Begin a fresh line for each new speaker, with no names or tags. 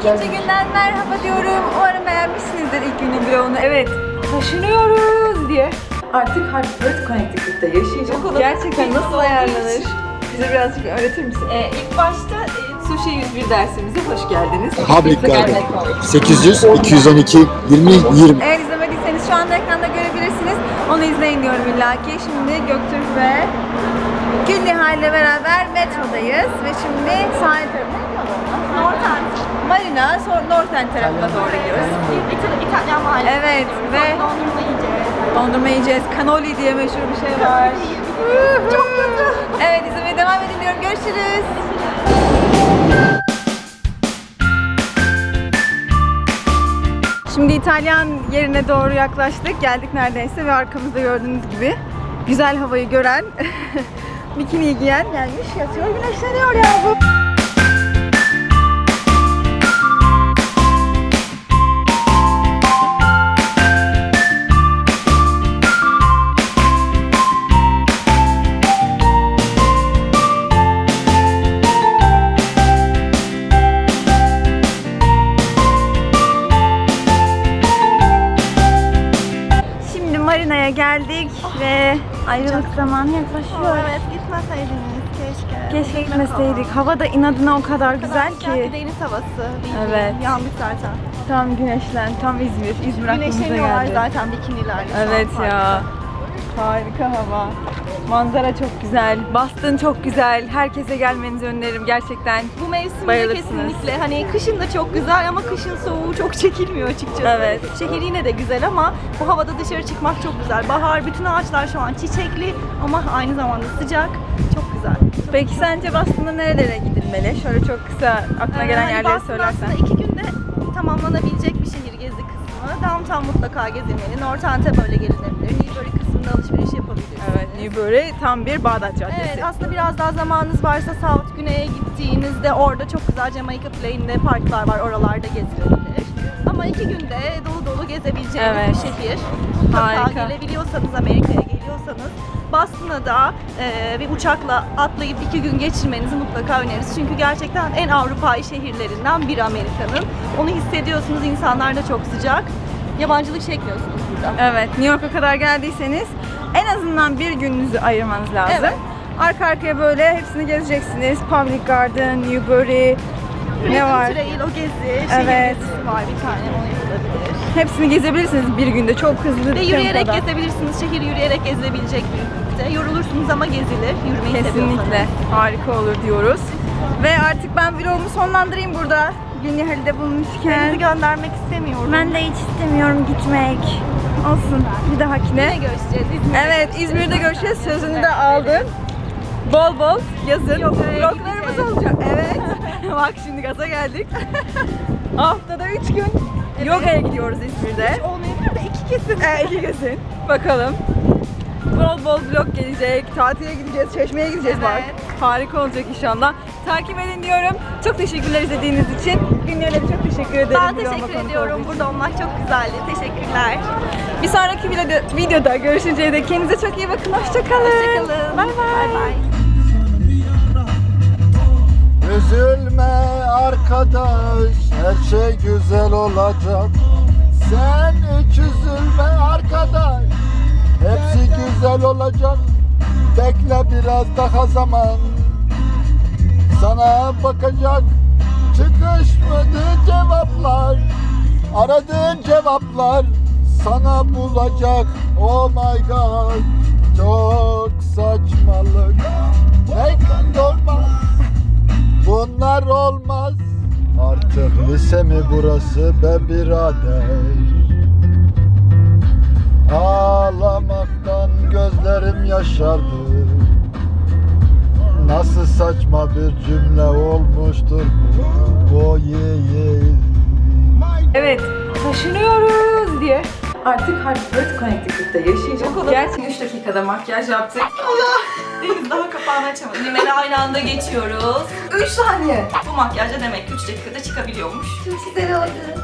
İkinci günden merhaba diyorum. Umarım beğenmişsinizdir ilk günün vlogunu. Evet, taşınıyoruz diye. Artık Hartford, Connecticut'ta yaşayacağım. Gerçekten nasıl ayarlanır? Bize birazcık öğretir misin? İlk başta Sushi 101 dersimize hoş geldiniz.
Public Garden 800 212 20 20.
Eğer izlemediyseniz şu anda ekranda görebilirsiniz. Onu izleyin diyorum illaki. Şimdi Göktürk ve Gülnihal ile beraber metrodayız ve şimdi sahil tarafına Northend Marina, sonra Northend tarafına doğru gidiyoruz.
İtalyan mahallesi.
Evet ve
Dondurma yiyeceğiz.
dondurma yiyeceğiz. Cannoli diye meşhur bir şey var.
Çok kötü.
Evet, izlemeye devam edin diyorum. Görüşürüz. Şimdi İtalyan yerine doğru yaklaştık. Geldik neredeyse ve arkamızda gördüğünüz gibi güzel havayı gören, bikini giyen gelmiş yatıyor, güneşleniyor ya bu. Marina'ya geldik ve ayrılık zamanı yaklaşıyor.
Evet, gitmeseydiniz keşke.
Keşke gitmeseydik. Hava da inadına o kadar güzel ki.
Deniz havası.
Evet.
Yandık zaten.
Tam güneşlen, tam İzmir. İzmir aklımıza
Güneşleniyorlar
geldi.
zaten bikinilerle. şu
Evet
an
ya. Harika hava. Manzara çok güzel. Boston çok güzel. Herkese gelmenizi öneririm gerçekten.
Bu mevsimde
Bayılırsınız.
kesinlikle hani kışın da çok güzel ama kışın soğuğu çok çekilmiyor açıkçası.
Evet.
Şehir yine de güzel ama bu havada dışarı çıkmak çok güzel. Bahar, bütün ağaçlar şu an çiçekli ama aynı zamanda sıcak. Çok güzel.
Peki sence Boston'da nerelere gidilmeli? Şöyle çok kısa aklına gelen
Hani
yerleri
Boston
söylersen.
aslında 2 günde tamamlanabilecek bir şehir gezi kısmı. Downtown mutlaka gezilmeli. Northand'e böyle gelinebilir. Newbury kısmında alışveriş yapabilirsiniz.
Evet, Newbury tam bir Bağdat Caddesi.
Evet, aslında biraz daha zamanınız varsa South Güney'e gittiğinizde orada çok güzel Jamaica Plain'de parklar var, oralarda gezilebilir. Ama 2 günde dolu dolu gezebileceğiniz
Evet.
bir şehir. Mutlaka
Harika.
gelebiliyorsanız, Amerika'ya geliyorsanız Boston'a da bir uçakla atlayıp 2 gün geçirmenizi mutlaka öneririz. Çünkü gerçekten en Avrupa'yı şehirlerinden biri Amerika'nın. Onu hissediyorsunuz, insanlar da çok sıcak. Yabancılık çekmiyorsunuz burada.
Evet, New York'a kadar geldiyseniz en azından bir gününüzü ayırmanız lazım.
Evet.
Arka arkaya böyle hepsini gezeceksiniz. Public Garden, Newbury, ne var?
Trail, o gezi,
Evet.
şehir gezisi var bir tane, onu yapılabilir.
Hepsini gezebilirsiniz bir günde. Çok hızlı
Ve
bir
yürüyerek
tempoda.
gezebilirsiniz. Şehir yürüyerek gezilebilecek büyüklükte. Yorulursunuz ama gezilir. Yürümeyi
Kesinlikle
seviyorsanız.
harika olur diyoruz. Ve artık ben vlogumu sonlandırayım burada. Gülnihal'de bulmuşken.
Sizi göndermek istemiyorum.
Ben de hiç istemiyorum gitmek. Olsun, bir dahakine.
Yine görüşeceğiz. İzmir'de
Evet, İzmir'de görüşeceğiz. Sözünü de aldım. Bol bol yazın.
Yoga'ya
Vloglarımız
gideceğiz.
olacak. Evet. Bak şimdi gaza geldik. Haftada 3 gün yogaya gidiyoruz İzmir'de.
olmayabilir de 2 kesin.
2 kesin. Bakalım. Bol bol vlog gelecek. Tatile gideceğiz. Çeşme'ye gideceğiz bak.
Evet.
Harika olacak inşallah. Takip edin diyorum. Çok teşekkürler izlediğiniz için. Günler'e çok teşekkür ederim.
Ben
vloguma
teşekkür
konuk
ediyorum.
olduğu için.
Burada olmak çok güzeldi. Teşekkürler.
Bir sonraki videoda görüşünceye dek kendinize çok iyi bakın. Hoşçakalın.
Hoşçakalın.
Bay bay.
Bay.
Üzülme arkadaş, her şey güzel olacak. Sen hiç üzülme arkadaş, hepsi güzel olacak. Bekle biraz daha zaman, sana bakacak. Çıkışmadı cevaplar, aradığın cevaplar sana bulacak. Oh my god, çok saçmalık. Ne olmaz, bunlar olmaz. Artık lise mi burası be birader? Ağlamaktan gözlerim yaşardı. Nasıl saçma bir cümle olmuştur bu. Oh yeah yeah.
Evet, taşınıyoruz diye. Artık Hartford, Connecticut'ta yaşayacağım. Gerçi 3 dakikada makyaj yaptık.
Deniz daha kapağını açamadı. Rimeli aynı anda geçiyoruz.
3 saniye.
Bu makyajla demek ki 3 dakikada çıkabiliyormuş.
Çok güzel oldu.